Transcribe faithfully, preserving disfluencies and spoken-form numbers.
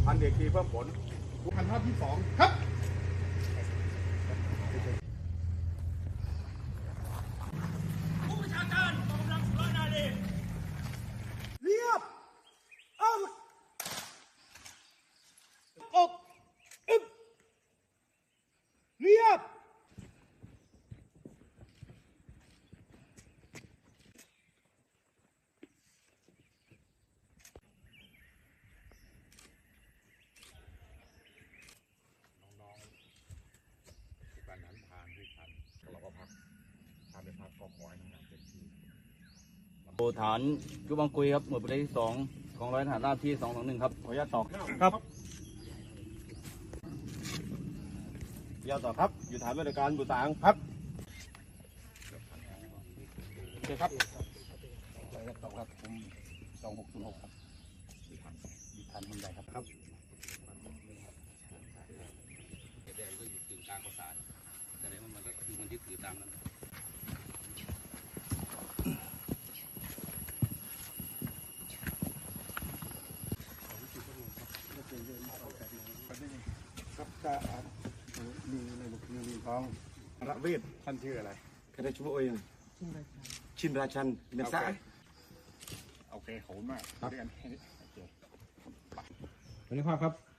พันเอกทีเพิ่มผลพันภาพที่สองครับผู้บัญชาการกองกำลังสุรนารีเรียบเอาอกอึบเรียบโบฐานยุบังกุยครับหน่วยปฏิบัติที่สองของร้อยทหารราบที่สองสองหนึ่งครับขออนุญาตตอบครับยาวต่อครับอยู่ฐานบริการบุตรางครับโอเคครับขออนุญาตตอบครับผมสองหกศูนย์หกครับอยู่ฐานอยู่ฐานบันไดครับครับแดงก็อยู่กึ่งกลางประสาทแสดงว่ามันก็คือมันที่ถือตามนั้นครับก็มีในบุคคลมีของระเวทท่านชื่ออะไรคณะชั่วโมงชินราชันเนสายโอเคขอบคุณมากเรียนแค่นี้โอเควันนี้ภาพครับ